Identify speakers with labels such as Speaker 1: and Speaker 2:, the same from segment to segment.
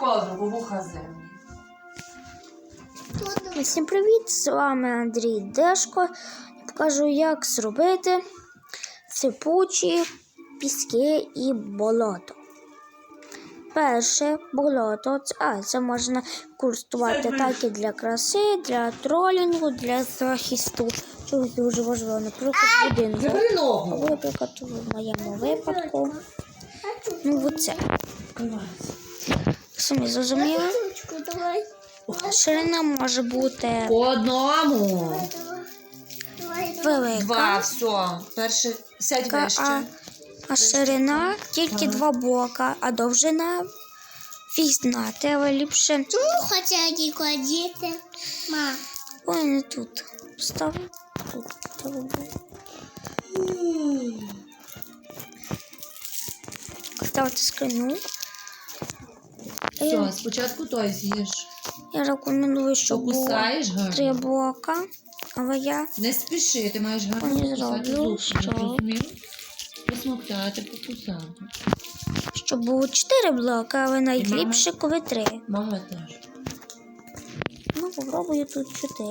Speaker 1: ковдру, вуха землі.
Speaker 2: Всім привіт! З вами Андрій Дешко. Я покажу, як зробити сипучі піски і болото. Перше болото, це можна користувати так і для краси, для тролінгу, для захисту. Чогось дуже важливо, наприклад, будинку. Наприклад, в моєму випадку. Ну, оце. Самі зрозуміли? Ширина може бути
Speaker 1: По одному.
Speaker 2: велика.
Speaker 1: Два, все. Перше, сядь вище.
Speaker 2: А ширина тільки два бока, а довжина різна. Треба ліпше.
Speaker 3: Чому хоча кладіти? Ма.
Speaker 2: Ой, не тут. Став тут. Ставити скрину.
Speaker 1: Все, спочатку той з'їж.
Speaker 2: Я рекомендую, щоб було
Speaker 1: Покусаєш гарно.
Speaker 2: 3 блока, але я
Speaker 1: Не спіши, ти маєш гарно
Speaker 2: не
Speaker 1: покусати
Speaker 2: зроблю,
Speaker 1: зубки.
Speaker 2: що?
Speaker 1: Зрозумів? Посмоктати, покусати.
Speaker 2: щоб було 4 блоки, але найліпше, коли 3.
Speaker 1: Мама теж.
Speaker 2: Ну, попробую тут 4.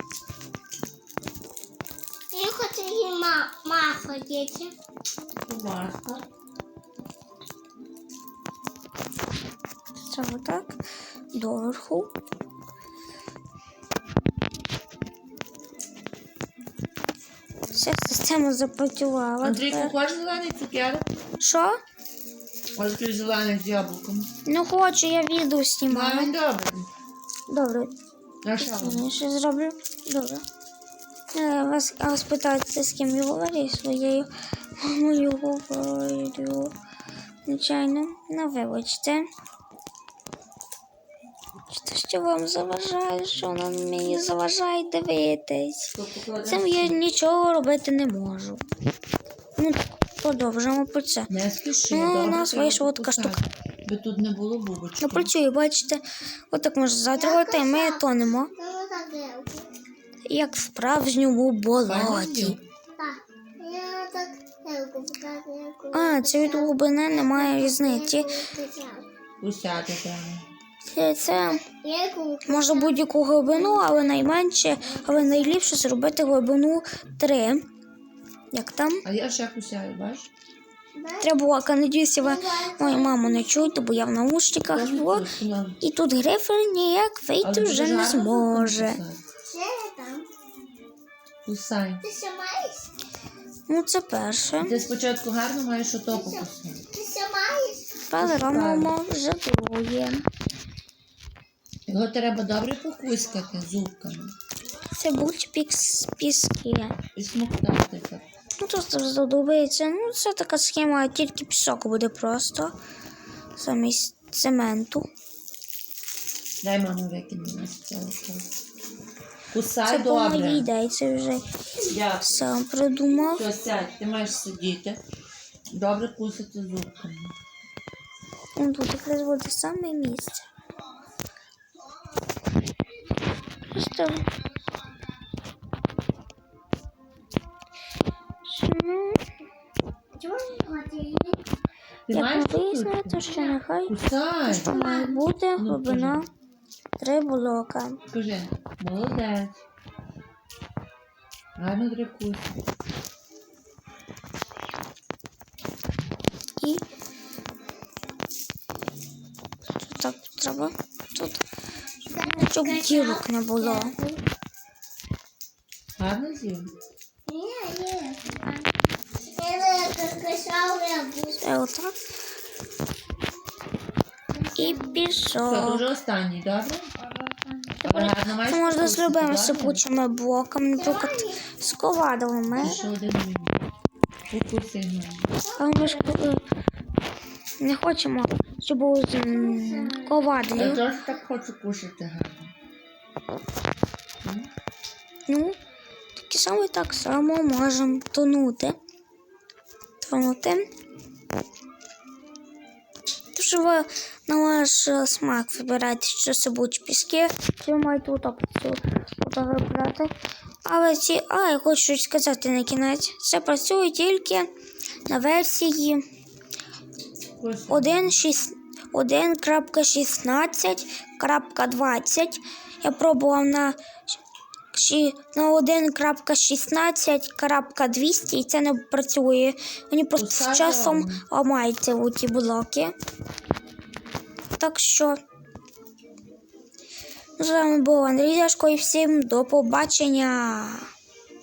Speaker 3: Я хочу її ходити.
Speaker 1: Будь ласка.
Speaker 2: Це отак, доверху. Вся система запрацювала.
Speaker 1: Андрійку,
Speaker 2: тепер.
Speaker 1: хочеш зелений цукерок?
Speaker 2: Що?
Speaker 1: Ось такий зелений з яблуком.
Speaker 2: Ну хочу, я відео знімаю.
Speaker 1: Мамі добре.
Speaker 2: Добре,
Speaker 1: На що?
Speaker 2: я ще зроблю. Добре. Вас питаєте, з ким я говорю? Своєю мамою говорю. Звичайно, ну вибачте. Що вам заважає, що воно мені заважає дивитись. Цим я нічого робити не можу. Ну, продовжимо про це.
Speaker 1: Не спіши,
Speaker 2: Ну, у
Speaker 1: добре,
Speaker 2: нас
Speaker 1: треба
Speaker 2: вийшла така
Speaker 1: покусати. Би тут не було бубочки.
Speaker 2: Ну, працює, бачите. Отак можна затривати, і ми тонемо, як в справжньому болоті.
Speaker 3: Так. Я так гелку показую.
Speaker 2: А, це від глибини немає різниці.
Speaker 1: Кусати треба.
Speaker 2: Це може будь-яку глибину, але найменше, але найліпше зробити глибину 3. Як там?
Speaker 1: А я ще кусаю, бачиш?
Speaker 2: Треба було, надіюся, ви мою маму не чуєте, бо я в наушниках. І тут грифер ніяк вийти вже не зможе.
Speaker 3: Ще там.
Speaker 1: Кусай.
Speaker 3: Ти ще маєш?
Speaker 2: Ну, це перше.
Speaker 1: Ти спочатку гарно маєш ото покусати.
Speaker 3: Ти ще маєш?
Speaker 2: Тепер робимо вже друге.
Speaker 1: Його треба добре покускати зубками.
Speaker 2: Це будуть піски.
Speaker 1: І смоктати так.
Speaker 2: Ну, тут задобається. Ну, це така схема, тільки пісок буде просто. Замість цементу.
Speaker 1: Дай маму викине нас цього. Кусай
Speaker 2: Це по моїй
Speaker 1: добре.
Speaker 2: ідеї, це вже
Speaker 1: Дякую.
Speaker 2: сам придумав.
Speaker 1: Все, сядь, ти маєш сидіти. Добре кусати зубками.
Speaker 2: Ну, тут якраз буде саме місце. Просто... Ну,
Speaker 3: Чому не хочеш?
Speaker 1: Ти
Speaker 2: як
Speaker 1: маєш
Speaker 2: ми вияснили, що нехай
Speaker 1: Кусай.
Speaker 2: що має бути глибина 3 блока.
Speaker 1: Скажи, молодець. Гарно дрикуй.
Speaker 2: І тут так треба. Тут, щоб дірок не було.
Speaker 1: Гарно з'їв?
Speaker 3: Ні. Я кашав рябу.
Speaker 2: Це отак. І
Speaker 1: Все,
Speaker 2: пішов.
Speaker 1: то вже останній, добре? Але гарно маєш
Speaker 2: Це можна з
Speaker 1: покусати,
Speaker 2: любими
Speaker 1: добре?
Speaker 2: сипучими блоками, наприклад, з ковадовими.
Speaker 1: Ще один мінус. Покуси гарно.
Speaker 2: Але ми ж не хочемо, щоб було з
Speaker 1: Я
Speaker 2: ковадлів.
Speaker 1: теж так хочу кушати гарно.
Speaker 2: Ну, так само можемо тонути. Тож ви на ваш смак вибирайте, що сипучі піски, чи ви маєте опцію вибирати. Але я хочу щось сказати на кінець. Це працює тільки на версії 1.6. 1.16.20. Я пробував на 1.16.200 і це не працює. Мені просто з
Speaker 1: Пускай
Speaker 2: часом
Speaker 1: вам.
Speaker 2: ламаються ці блоки. Так що з вами був Андрій Дашко і всім до побачення.